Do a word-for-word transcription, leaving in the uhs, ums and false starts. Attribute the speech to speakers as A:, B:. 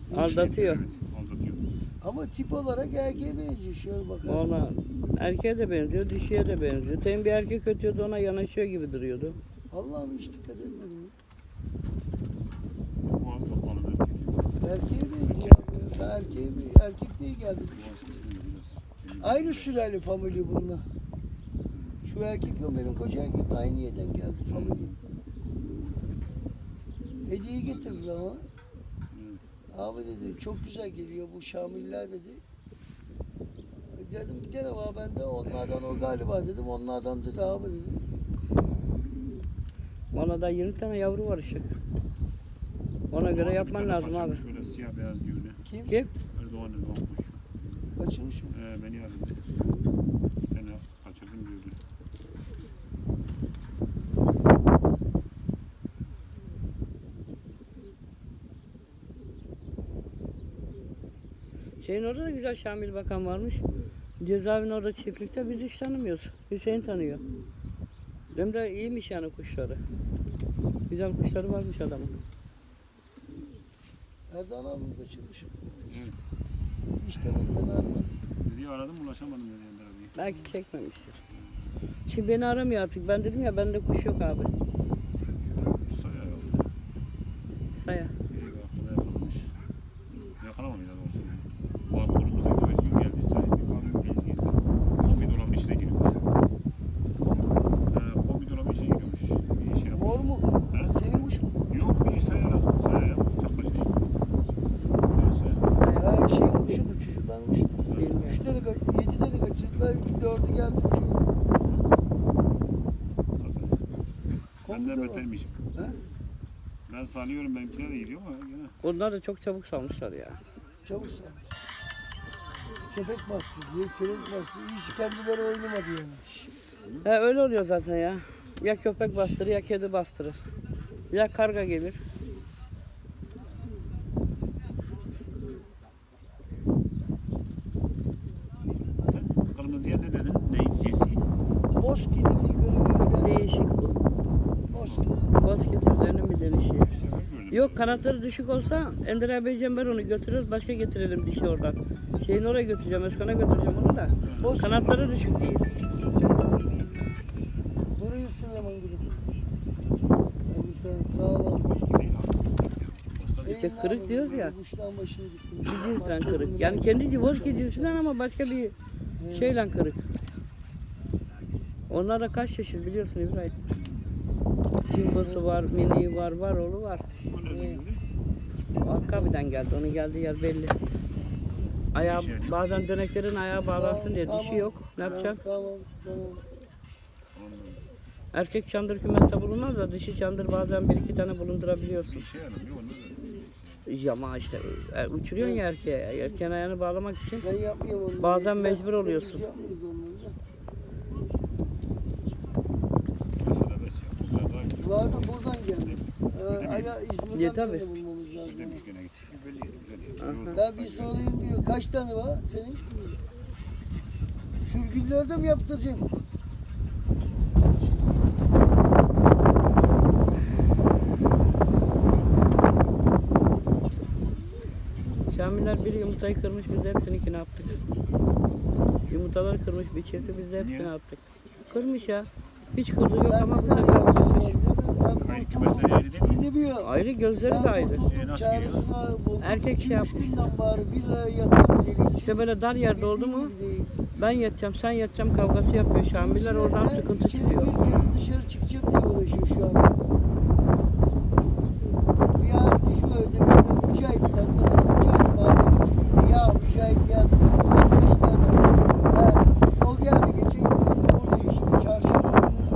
A: Aldatıyor.
B: Evet, aldatıyor.
C: Ama tip olarak erkeğe benziyor. Şöyle bakarsın.
A: Ona erkeğe de benziyor, dişiye de benziyor. Temin bir erkek ötüyordu, ona yanaşıyor gibi duruyordu.
C: Allah'ım hiç dikkat etmedim.
B: Boğaz kapalı erkek.
C: Erkeğe benziyor. Ben erkeğe, erkek diye geldim.
B: Boğaz kısmında biraz.
C: Aynı sülale familya bununla. Şu erkek yok benim koca erkek aynı yerden geldi familya. Hediye getirdi ama.
B: Evet.
C: Abi dedi çok güzel geliyor bu Şamiller dedi. Dedim bir tane var bende onlardan o galiba dedim onlardan dedi abi dedi.
A: Ona da yirmi tane yavru var Işık. Ona göre yapman
B: Bir tane
A: lazım abi.
B: kaçırmış Böyle siyah beyaz diyor ne?
C: Kim?
A: Kim?
B: Erdoğan Erdoğan kuş.
C: Kaçırmış mı?
B: Ee, beni aradı. Bir tane kaçırdım diyordu.
A: Şeyin orada da güzel Şamil Bakan varmış. Cezaevinin orada çiftlikte biz hiç tanımıyoruz. Hüseyin tanıyor. Hem de iyiymiş yani kuşları. Güzel kuşları varmış adamın.
C: Erdoğan abi mi kaçırmış?
B: Evet.
C: Hiç demedim ben aramadım.
B: Dedi aradım ulaşamadım dedi Ender abi.
A: Belki çekmemiştir. Şimdi beni aramıyor artık. Ben dedim ya bende kuş yok abi.
B: Şöyle saya aldı.
A: Saya.
B: Bir haftada yakalamış. Yakalamamış daha doğrusu. Var kolumuza güvercin geldi sahibi. Abi geldi insan. Kombi dolabın içine giriyormuş. Ee, kombi dolabın içine giriyormuş. Bir şey yapmış.
C: Mor mu?
B: He?
C: Senin kuş mu?
B: Yok bir saya. Saya yap. Çaklaş değil. Neyse.
C: Ha şeyin kuşu bu çocukların kuşu.
A: Bilmiyorum.
C: Üç tane, ka- yedi tane kaçırdılar, üç dördü geldi kuşu.
B: Benden betermişim.
C: Ha?
B: Ben salıyorum benimkine de gidiyor ama gene.
A: Onlar da çok çabuk salmışlar ya.
C: Çabuk sal. Köpek bastı diye, köpek bastı. Hiç kendileri oynamadı yani.
A: He öyle oluyor zaten ya. Ya köpek bastırır ya kedi bastırır. Ya karga gelir.
B: Sen kırmızıya ne dedin? Neydi cinsi?
C: Boski'nin bir kırık bir tane.
A: Değişik bu.
C: Boski.
A: Bosque türlerinin bir denişi.
B: Bir sefer gördüm.
A: Yok kanatları düşük olsa Ender abicim ben onu götürürüz başka getirelim dişi oradan. Şeyin oraya götüreceğim, Özkan'a götüreceğim onu da.
C: Boski.
A: Kanatları düşük değil.
C: Duruyor Süleyman gibi. Yani sen sağlam.
B: Değil abi.
A: İşte kırık diyoruz ya.
C: Kuştan başını gitti.
A: Bir cinsten kırık. Yani kendi Bosque cinsinden ama başka bir şeyle kırık. Onlar da kaç çeşit biliyorsun İbrahim. Jumbo'su var, mini var, var oğlu var.
B: O nereden geldi?
A: O Akkabiden geldi, onun geldiği yer belli. Ayağı, bazen döneklerin ayağı bağlansın diye dişi yok. Ne yapacaksın?
C: Tamam, tamam.
B: Anladım.
A: Erkek çandır kümeste bulunmaz da dişi çandır bazen bir iki tane bulundurabiliyorsun.
B: Bir şey yaramıyor onlar da.
A: Ama işte e, uçuruyorsun ya erkeğe. Erkeğin ayağını bağlamak için.
C: Ben yapmıyorum onları.
A: Bazen
C: Biz-
A: mecbur oluyorsun.
C: Biz yapmıyoruz onları da.
B: Mesela bes ya. Bunlar daha güzel.
C: Vardı buradan gelmez. Ee, Hala İzmir'den
A: Ya, tabii.
C: birini bulmamız lazım.
B: Demiş gene gitti. Belli güzel.
A: Aha.
B: Yolda
C: Ben bir
B: sanki-
C: sorayım diyor. Kaç tane var senin? Sürgünlerde mi yaptıracaksın?
A: Şamiller bir yumurtayı kırmış biz de hepsini ne yaptık? Yumurtaları kırmış bir çifti biz de hepsini
B: Niye?
A: attık. Kırmış ya. Hiç kırdığı yok
C: Ben
A: ama bu
C: neden
A: sefer
C: yapmışım?
A: kırmış.
C: Ben
B: Hayır,
C: kurtuldum.
B: kümesleri ayrı değil mi?
C: Dinlemiyor.
A: Ayrı gözleri de
C: Ben
A: ayrı.
C: kurtuldum,
B: E, nasıl
C: çaresine buldum.
A: Erkek şey
C: İki, üç
A: yapmış.
C: günden bari bir liraya yatırdım deliksiz.
A: İşte böyle dar yerde oldu mu
C: Bildiğin gibi değil.
A: ben yatacağım sen yatacağım kavgası yapıyor Şamiller oradan
C: Ben
A: sıkıntı
C: içeri
A: çıkıyor.
C: bir kere dışarı çıkacak diye uğraşıyor şu an.